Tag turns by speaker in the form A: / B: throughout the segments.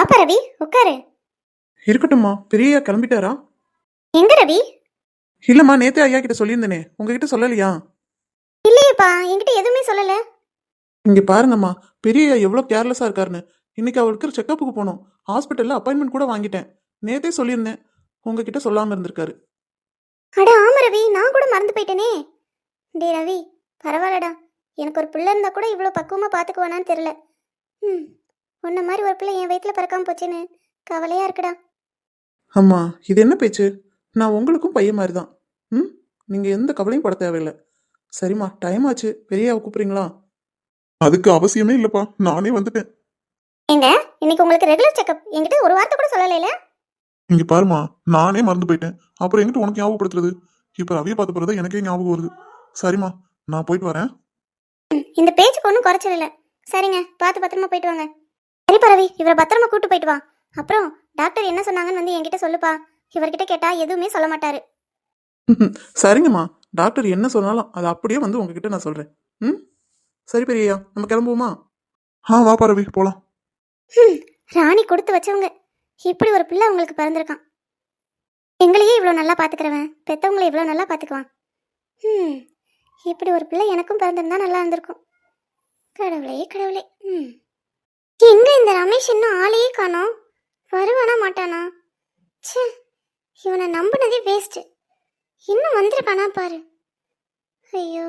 A: வாப்பா ரவி, உட்காரு.
B: இருக்கட்டும்மா. பெரிய கிளம்பிட்டாரா?
A: எங்க ரவி?
B: இல்லம்மா, நேத்தே ஐயா கிட்ட சொல்லியிருந்தேனே, உங்ககிட்ட சொல்லலையா?
A: இல்லையேப்பா, என்கிட்ட எதுவுமே சொல்லல.
B: இங்க பாருங்கம்மா, பெரிய ஐயா எவ்வளோ கேர்லெஸ்ஸா இருக்காருன்னு. இன்னைக்கு அவருக்கு செக்கப்புக்கு போனோம். ஹாஸ்பிட்டல்ல அப்பாயின்மெண்ட் கூட வாங்கிட்டேன். நேத்தே சொல்லியிருந்தேன், உங்ககிட்ட சொல்லாம இருந்திருக்காரு.
A: அட ஆமா ரவி, நான் கூட மறந்து போயிட்டேனே. டே ரவி, பரவாயில்லடா. எனக்கு ஒரு பிள்ளை இருந்தா கூட இவ்வளோ பக்குவமா பார்த்துக்குவானான்னு தெரியல. உன்ன மாதிரி ஒரு பிள்ளை என் வயிற்றுல பிறக்காம போச்சேன்னு கவலையா இருக்குடா.
B: அம்மா, இது என்ன பேச்சு? நான் உங்களுக்கும் பையன் மாதிரி தான். நீங்க எந்த கவலையும் பட தேவையில்லை. சரிம்மா, டைம் ஆச்சு. பெரியாவை கூப்பிடுறீங்களா? அதுக்கு அவசியமே இல்லப்பா, நானே வந்துட்டேன்.
A: எங்க இன்னைக்கு உங்களுக்கு ரெகுலர் செக்கப், என்கிட்ட ஒரு வார்த்தை கூட சொல்லலைல.
B: இங்க பாருமா, நானே மறந்து போயிட்டேன். அப்புறம் எங்கிட்ட உனக்கு ஞாபகப்படுத்துறது? இப்ப ரவியை பார்த்த பிறகு எனக்கே ஞாபகம் வருது. சரிம்மா, நான் போயிட்டு வரேன்.
A: இந்த பேச்சுக்கு ஒன்றும் குறைச்சல் இல்லை. சரிங்க, பார்த்து பத்திரமா போயிட்டு வாங்க. சரிப்பா ரவி, இவரை பத்திரமா கூட்டு போயிட்டு வா. அப்புறம் டாக்டர் என்ன சொன்னாங்கன்னு வந்து என்கிட்ட சொல்லுப்பா. இவர்கிட்ட கேட்டா எதுவுமே சொல்ல மாட்டாரு.
B: சரிங்கம்மா, டாக்டர் என்ன சொன்னாலும் அது அப்படியே வந்து உங்ககிட்ட நான் சொல்றேன். சரி பெரியயா, நம்ம கிளம்புவோமா? வாப்பா ரவி, போலாம்.
A: ராணி கொடுத்து வச்சவங்க. இப்படி ஒரு பிள்ளை உங்களுக்கு பிறந்திருக்கான். எங்களையே இவ்வளோ நல்லா பார்த்துக்கிறவன் பெற்றவங்களை இவ்வளோ நல்லா பார்த்துக்குவான். இப்படி ஒரு பிள்ளை எனக்கும் பிறந்திருந்தா நல்லா இருந்திருக்கும். கடவுளே கடவுளே. எங்க இந்த ரமேஷ் இன்னும் ஆளையே காணோம்? வருவானா மாட்டானா? ச்சே, இவனை நம்பினதே வேஸ்ட். இன்னும் வந்திருக்கானா பாரு. ஐயோ.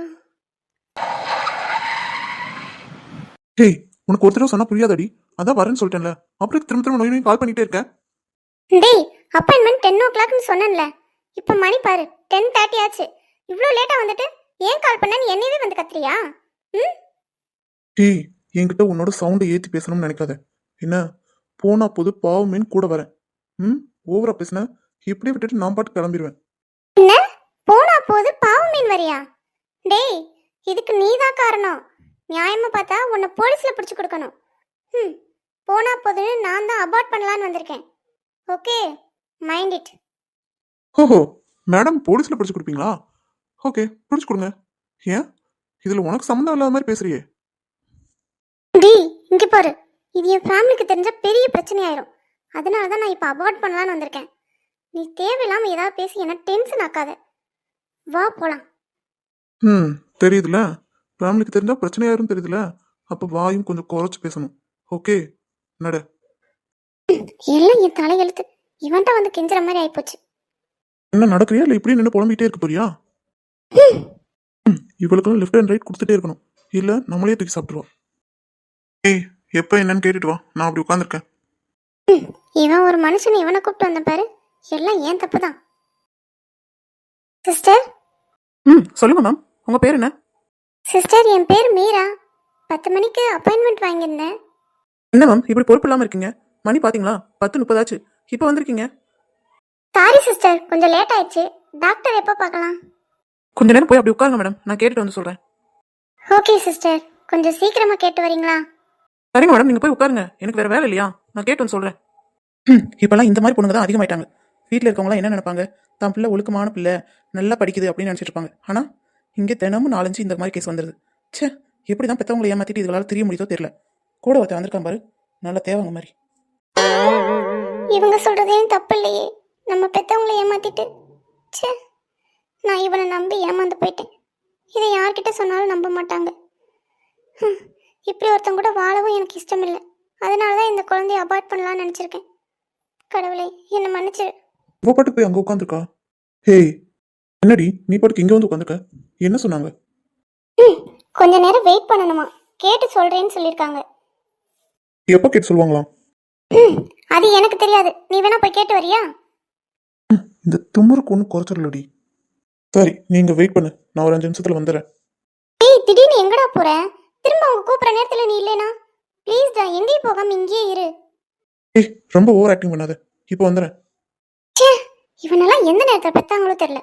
B: ஹேய், உனக்கு ஒரு தடவை சொன்னா புரியாதடி. அதான் வரேன்னு சொல்லிட்டேன்ல, அப்புறம் திரும்ப திரும்ப நோய் கால் பண்ணிட்டே இருக்கேன்.
A: டேய், அப்பாயின்மெண்ட் 10 o'clockனு சொன்னேன்ல. இப்போ மணி பாரு 10:30 ஆச்சு. இவ்வளோ லேட்டாக வந்துட்டு ஏன் கால் பண்ணேன்னு என்னையவே வந்து கத்துறியா?
B: டேய், என்கிட்ட உன்னோட சவுண்டை ஏற்றி பேசணும்னு நினைக்காத. என்ன, போனா போது பாவமேன்னு கூட வரேன். ஓவரா பேசின இப்படியே விட்டுட்டு நான் பாட்டு கிளம்பிடுவேன்.
A: என்ன போனா போது பாவம் மீன் வரியா? டேய், இதுக்கு நீதான் காரணம். நியாயமா பார்த்தா உன்னை போலீஸ்ல பிடிச்சு கொடுக்கணும். போனா போதுன்னு நான் தான் அபார்ட் பண்ணலான்னு வந்திருக்கேன். Okay, mind it.
B: ஓஹோ, மேடம் போலீஸ்ல பிடிச்சு கொடுப்பீங்களா? ஓகே, பிடிச்சு கொடுங்க. ஏன் இதுல உனக்கு சம்மந்தம் இல்லாத மாதிரி பேசுறியே?
A: டேய், இங்க பாரு, இது என் ஃபேமிலிக்கு தெரிஞ்ச பெரிய பிரச்சனை ஆயிரும். அதனால தான் நான் இப்போ அபார்ட் பண்ணலான்னு வந்திருக்கேன். நீ தேவையில்லாம ஏதாவது பேசி என்ன டென்ஷன் ஆக்காத. வா போலாம்.
B: தெரியுதுல, ஃபேமிலிக்கு தெரிஞ்சா பிரச்சனையாரும் தெரியுதுல. அப்ப வாயும் கொஞ்சம் குறைச்சு பேசணும். ஓகே, நட.
A: எல்லாம் என் தலையெழுத்து. இவன்ட்ட வந்து கெஞ்சுற மாதிரி ஆயிப்போச்சு.
B: என்ன நடக்கிறியா இல்ல இப்படியே நின்று புலம்பிட்டே இருக்க போறியா? இவளுக்கெல்லாம் லெஃப்ட் அண்ட் ரைட் கொடுத்துட்டே இருக்கணும், இல்ல நம்மளே தூக்கி சாப்பிட்டுருவோம். ஏய், எப்ப என்னன்னு கேட்டுட்டு வா, நான் அப்படி உட்காந்துருக்கேன்.
A: இவன் ஒரு மனுஷன், இவனை கூப்பிட்டு வந்த பாரு. எல்லாம் ஏன் தப்பு தான். சிஸ்டர்.
B: சொல்லுங்க மேம், உங்க பேர் என்ன?
A: சிஸ்டர், என் பேர் மீரா. 10 மணிக்கு அப்பாயின்மெண்ட் வாங்கியிருந்தேன்.
B: என்ன மேம் இப்படி பொறுப்பு இல்லாம இருக்கீங்க? மணி பாத்தீங்களா? 10:30 ஆச்சு, இப்போ வந்திருக்கீங்க.
A: சாரி சிஸ்டர், கொஞ்சம் லேட் ஆயிடுச்சு. டாக்டர் எப்போ பார்க்கலாம்?
B: கொஞ்ச நேரம் போய் அப்படி உட்காருங்க மேடம், நான் கேட்டுட்டு வந்து சொல்றேன்.
A: ஓகே சிஸ்டர், கொஞ்சம் சீக்கிரமா கேட்டு வரீங்களா?
B: சரிங்க மேடம், நீங்க போய் உட்காருங்க, எனக்கு வேற வேலை இல்லையா, நான் கேட்டு வந்து சொல்றேன். இப்பெல்லாம் இந்த மாதிரி பொண்ணுங்க தான் அதிகமாயிட்டாங்க. வீட்டில் இருக்கவங்களாம் என்ன நினைப்பாங்க? தான் பிள்ளை ஒழுக்கமான பிள்ளை, நல்லா படிக்குது அப்படின்னு நினைச்சிட்டு இருப்பாங்க. ஆனா இங்கே தினமும் 4-5 இந்த மாதிரி கேஸ் வந்துருது. ச்சே, எப்படி தான் பெற்றவங்களை ஏமாத்திட்டு இதுகளால தெரிய முடியுதோ தெரியல. கூட ஒருத்தர் வந்திருக்கான் பாரு, நல்லா தேவைங்க மாதிரி.
A: இவங்க சொல்றதையும் தப்பு இல்லையே, நம்ம பெற்றவங்களை ஏமாத்திட்டு. ச்சே, நான் இவனை நம்பி ஏமாந்து போயிட்டேன். இதை யார்கிட்ட சொன்னாலும் நம்ப மாட்டாங்க. இப்படி ஒருத்தன் கூட வாழவும் எனக்கு இஷ்டம் இல்லை. அதனால தான் இந்த குழந்தைய அபார்ட் பண்ணலாம்னு நினச்சிருக்கேன். கடவுளே, என்னை மன்னிச்சிரு.
B: உங்க பாட்டுக்கு போய் அங்கே உட்காந்துருக்கா? ஹேய், என்னடி நீ பாட்டுக்கு இங்கே வந்து உட்காந்துருக்க? என்ன சொன்னாங்க?
A: கொஞ்ச நேரம் வெயிட் பண்ணணுமா, கேட்டு சொல்றேன்னு சொல்லியிருக்காங்க.
B: எப்போ கேட்டு சொல்லுவாங்களாம்?
A: அது எனக்கு தெரியாது, நீ வேணா போய் கேட்டு வரியா?
B: இந்த தும்முருக்கு ஒன்றும் குறைச்சிடலடி. சரி, நீங்க வெயிட் பண்ணு, நான் ஒரு 5 நிமிஷத்துல வந்துடுறேன்.
A: ஏய், திடீர்னு எங்கடா போற? திரும்ப அவங்க கூப்பிட்ற நேரத்தில் நீ இல்லைனா ப்ளீஸ்டா, எங்கேயும் போகாம இங்கேயே இரு.
B: ஏய், ரொம்ப ஓவர் ஆக்டிங் பண்ணாத, இப்போ வந்துடுறேன்.
A: ச்சே, இவனெல்லாம் எந்த நேரத்தில் பெத்தாங்களோ தெரியல.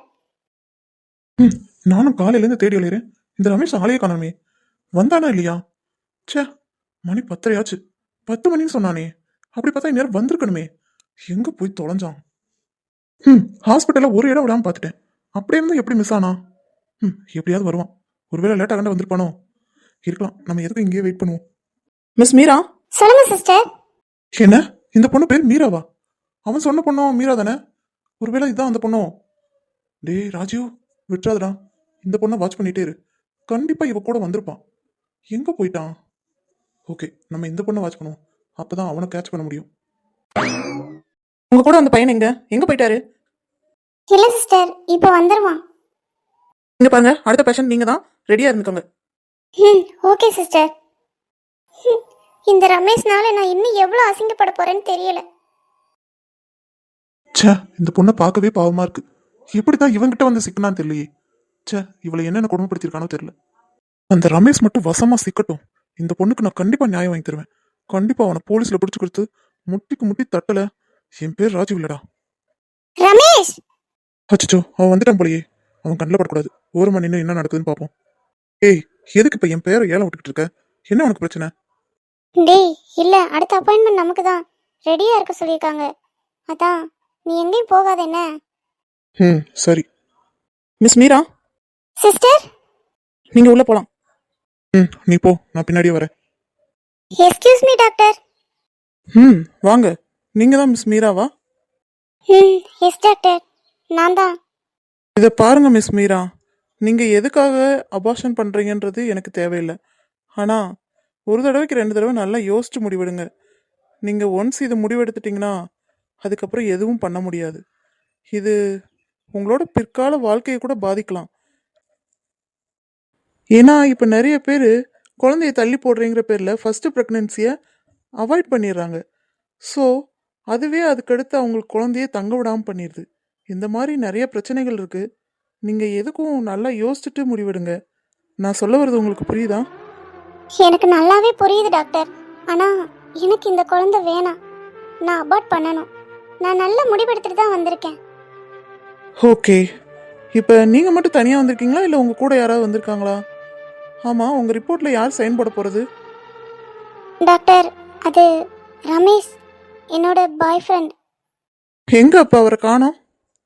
B: நானும் காலையிலேருந்து தேடி அலையிறேன், இந்த ரமேஷ் ஆளையே காணாமே. வந்தானா இல்லையா? ச்சே, மணி 10 ஆச்சு. 10 மணின்னு சொன்னானே, அப்படி பார்த்தா இந்நேரம் வந்திருக்கணுமே. எங்க போய் தொலைஞ்சான்? ஹாஸ்பிட்டல்ல ஒரு இடம் விடாம பார்த்துட்டேன். அப்படியே இருந்தா எப்படி மிஸ் ஆனா? எப்படியாவது வருவான். ஒருவேளை லேட்டாக கண்ட வந்திருப்பானோ? இருக்கலாம், நம்ம எதுக்கும் இங்கேயே வெயிட் பண்ணுவோம். மிஸ் மீரா.
A: சொல்லுங்க சிஸ்டர்.
B: என்ன
C: இந்த பொண்ணு பேர் மீராவா? அவன் சொன்ன பொண்ணும் மீரா தானே? ஒருவேளை இதுதான் அந்த பொண்ணும். டேய் ராஜீவ், விட்டுறாதடா. இந்த பொண்ணை வாட்ச் பண்ணிட்டே இரு. கண்டிப்பா இவ கூட வந்திருப்பான். எங்க போயிட்டான்? ஓகே, நம்ம இந்த பொண்ணை வாட்ச் பண்ணுவோம். அப்பதான் அவனை கேட்ச் பண்ண முடியும்.
B: உங்க கூட அந்த பையன் எங்க போயிட்டாரு?
A: இல்லை சிஸ்டர், இப்போ வந்துடுவான்.
B: இங்க பாருங்க, அடுத்த பேஷண்ட் நீங்க தான், ரெடியா இருந்துக்கோங்க.
A: Okay sister. இந்த ரமேஷ்னால நான் இன்னும் எவ்வளோ அசிங்கப்பட போறேன்னு தெரியல.
C: ச்சே, இந்த பொண்ணை பார்க்கவே பாவமா இருக்கு. எப்படிதான் இவன்கிட்ட வந்து சிக்கனான்னு தெரியலையே. ச்சே, இவளை என்னென்ன கொடுமைப்படுத்திருக்கானோ தெரியல. அந்த ரமேஷ் மட்டும் வசமா சிக்கட்டும். இந்த பொண்ணுக்கு நான் கண்டிப்பா நியாயம் வாங்கி தருவேன். கண்டிப்பா அவனை போலீஸ்ல பிடிச்சு கொடுத்து முட்டிக்கு முட்டி தட்டல. என் பேர் ராஜீவ் இல்லடா.
A: ரமேஷ்!
C: அச்சோ, அவன் வந்துட்டான் போலயே. அவன் கண்ணில் படக்கூடாது. ஓரமா நின்று என்ன நடக்குதுன்னு பார்ப்போம். ஏய், எதுக்கு இப்ப என் பேரை ஏலம் விட்டுக்கிட்டு இருக்க? என்ன உனக்கு பிரச்சனை?
A: டேய், இல்லை, அடுத்த அப்பாயின்மெண்ட் நமக்கு தான். ரெடியாக இருக்க சொல்லியிருக்காங்க. அதான் நீ எங்கேயும் போகாத என்ன.
C: சரி.
B: Miss Meera,
A: sister?
B: நீங்க உள்ள போலாம்.
C: நீ போ, நான் பின்னாடியே வரேன்.
A: Excuse me doctor.
B: வாங்க. நீங்க தான் மிஸ் மீராவா?
A: எஸ் டாக்டர், நான் தான்.
B: இதை பாருங்க மிஸ் மீரா, நீங்க எதுக்காக அபார்ஷன் பண்றீங்கன்றது எனக்கு தேவையில்லை. ஆனா ஒரு தடவைக்கு 2 தடவை நல்லா யோசிச்சு முடிவெடுங்க. நீங்க ஒன்ஸ் இது முடிவெடுத்துட்டீங்கன்னா அதுக்கப்புறம் எதுவும் பண்ண முடியாது. இது உங்களோட பிற்கால வாழ்க்கையை கூட பாதிக்கலாம். ஏன்னா இப்போ நிறைய பேர் குழந்தைய தள்ளி போடுறீங்கிற பேரில் ஃபர்ஸ்ட் ப்ரெக்னென்சியை அவாய்ட் பண்ணிடுறாங்க. ஸோ அதுவே அதுக்கடுத்து அவங்களுக்கு குழந்தைய தங்க விடாமல் பண்ணிடுது. இந்த மாதிரி நிறைய பிரச்சனைகள் இருக்குது. நீங்கள் எதுக்கும் நல்லா யோசிச்சுட்டு முடிவெடுங்க. நான் சொல்ல வர்றது உங்களுக்கு புரியுதா?
A: எனக்கு நல்லாவே புரியுது டாக்டர். ஆனால் எனக்கு இந்த குழந்தை வேணாம். நான் அபார்ட் பண்ணணும். நான் நல்ல முடிவெடுத்துட்டு தான் வந்திருக்கேன்.
B: ஓகே, இப்போ நீங்கள் மட்டும் தனியாக வந்திருக்கீங்களா இல்லை உங்கள் கூட யாராவது வந்திருக்காங்களா? ஆமாம், உங்கள் ரிப்போர்ட்டில் யார் சைன் போட போகிறது?
A: டாக்டர், அது ரமேஷ், என்னோட பாய் ஃப்ரெண்ட்.
B: எங்கே அப்போ அவரை காணோம்?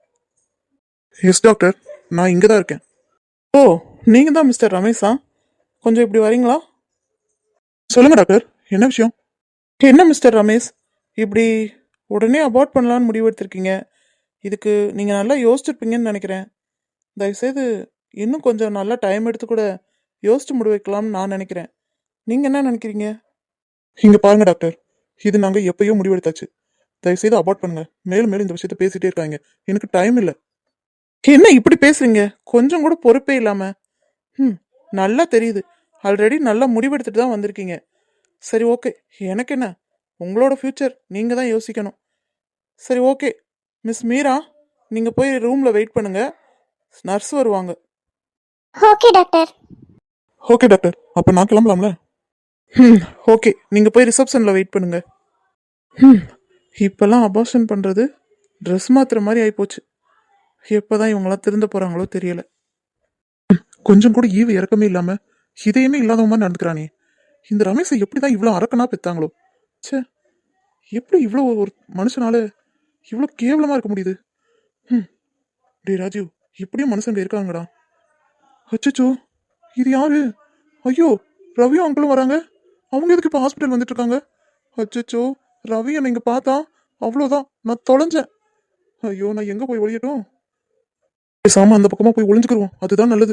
C: எஸ் டாக்டர், நான் இங்கே தான் இருக்கேன்.
B: ஓ, நீங்கள் தான் மிஸ்டர் ரமேஷா? கொஞ்சம் இப்படி வரீங்களா?
C: சொல்லுங்க டாக்டர், என்ன விஷயம்?
B: என்ன மிஸ்டர் ரமேஷ், இப்படி உடனே அபார்ட் பண்ணலான்னு முடிவெடுத்திருக்கீங்க. இதுக்கு நீங்கள் நல்லா யோசிச்சிருப்பீங்கன்னு நினைக்கிறேன். தயவுசெய்து இன்னும் கொஞ்சம் நல்லா டைம் எடுத்து கூட யோசிச்சு முடிவெக்கலாம்னு நான் நினைக்கிறேன். நீங்கள் என்ன நினைக்கிறீங்க?
C: இங்க பாருங்க டாக்டர், இது நாங்க எப்பயோ முடிவெடுத்தாச்சு. தயவுசெய்து அபார்ட் பண்ணுங்க. மேலும் மேலும் இந்த விஷயத்த பேசிட்டே இருக்காங்க. எனக்கு டைம் இல்லை.
B: என்ன இப்படி பேசுறீங்க? கொஞ்சம் கூட பொறுப்பே இல்லாம. நல்லா தெரியுது, ஆல்ரெடி நல்லா முடிவெடுத்துட்டு தான் வந்திருக்கீங்க. சரி, ஓகே, எனக்கு என்ன, உங்களோட ஃப்யூச்சர் நீங்கள் தான் யோசிக்கணும். சரி, ஓகே மிஸ் மீரா, நீங்கள் போய் ரூமில் வெயிட் பண்ணுங்க, நர்ஸ் வருவாங்க.
A: Okay doctor.
C: ஓகே டாக்டர், அப்ப நான் கிளம்பலாம்ல?
B: ஓகே, நீங்கள் போய் ரிசப்ஷனில் வெயிட் பண்ணுங்க. இப்போல்லாம் அபார்ஷன் பண்ணுறது ட்ரெஸ் மாத்துற மாதிரி ஆகிப்போச்சு. எப்போ தான் இவங்களாம் திருந்த போகிறாங்களோ தெரியல.
C: கொஞ்சம் கூட ஈவு இறக்கமே இல்லாம இதையுமே இல்லாத மாதிரி நடந்துக்கிறானே. இந்த ரமேஷை எப்படிதான் இவ்வளோ அரக்கனா பெத்தாங்களோ? ச்சே, எப்படி இவ்வளோ ஒரு மனுஷனால இவ்வளோ கேவலமா இருக்க முடியுது? டே ராஜீவ், இப்படியும் மனுஷங்க இருக்காங்கடா. அச்சச்சோ, இது யாரு? ஐயோ, ரவியும் அங்கிளும் வராங்க. அவங்க எதுக்கு இப்போ ஹாஸ்பிட்டல் வந்துட்டு இருக்காங்க? அச்சச்சோ, ரவி என்னை இங்க பார்த்தா அவ்வளோதான், நான் தொலைஞ்சேன். ஐயோ, நான் எங்க போய் ஒழியட்டும்? பேசாம அந்த பக்கமா போய் ஒளிஞ்சுக்கிருவோம், அதுதான் நல்லது.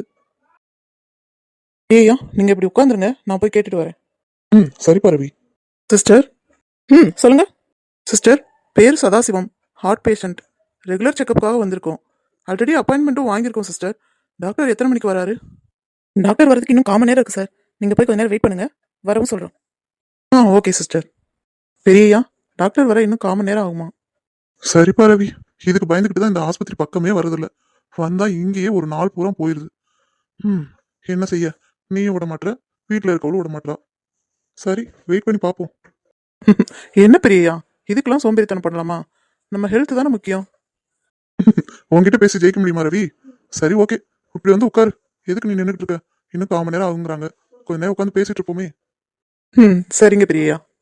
B: ஏய்யா, நீங்கள் இப்படி உட்காந்துருங்க, நான் போய் கேட்டுட்டு வரேன்.
C: சரிப்பா ரவி.
B: சிஸ்டர், சொல்லுங்க. சிஸ்டர், பேர் சதாசிவம், ஹார்ட் பேஷண்ட். ரெகுலர் செக்கப்புக்காக வந்திருக்கோம். ஆல்ரெடி அப்பாயின்மெண்ட்டும் வாங்கியிருக்கோம் சிஸ்டர். டாக்டர் எத்தனை மணிக்கு வராரு? டாக்டர் வரதுக்கு இன்னும் 1/4 மணி நேரம் இருக்குது சார். நீங்கள் போய் கொஞ்ச நேரம் வெயிட் பண்ணுங்க, வரவும் சொல்கிறோம். Okay sister. பெரியய்யா, டாக்டர் வர இன்னும் 1/4 மணி நேரம் ஆகுமா?
C: சரிப்பா ரவி, இதுக்கு பயந்துக்கிட்டு தான் இந்த ஆஸ்பத்திரி பக்கமே வரதில்ல. வந்தா இங்கேயே ஒரு நாள் பூரா போயிருது. என்ன செய்ய, நீயும் விட மாட்டேற, வீட்டில் இருக்கவளும் விட மாட்டா. சரி, வெயிட் பண்ணி பார்ப்போம்.
B: என்ன பெரியய்யா, இதுக்கெல்லாம் சோம்பேறித்தனம் பண்ணலாமா? நம்ம ஹெல்த் தானே முக்கியம்.
C: உங்ககிட்ட பேசி ஜெயிக்க முடியுமா ரவி? சரி, ஓகே, இப்படி வந்து உட்காரு. எதுக்கு நீ நின்றுட்டு இருக்க? இன்னும் 1/4 மணி நேரம் ஆகுங்கிறாங்க. கொஞ்ச நேரம் உட்காந்து பேசிட்டு இருப்போமே.
B: சரிங்க பெரியய்யா.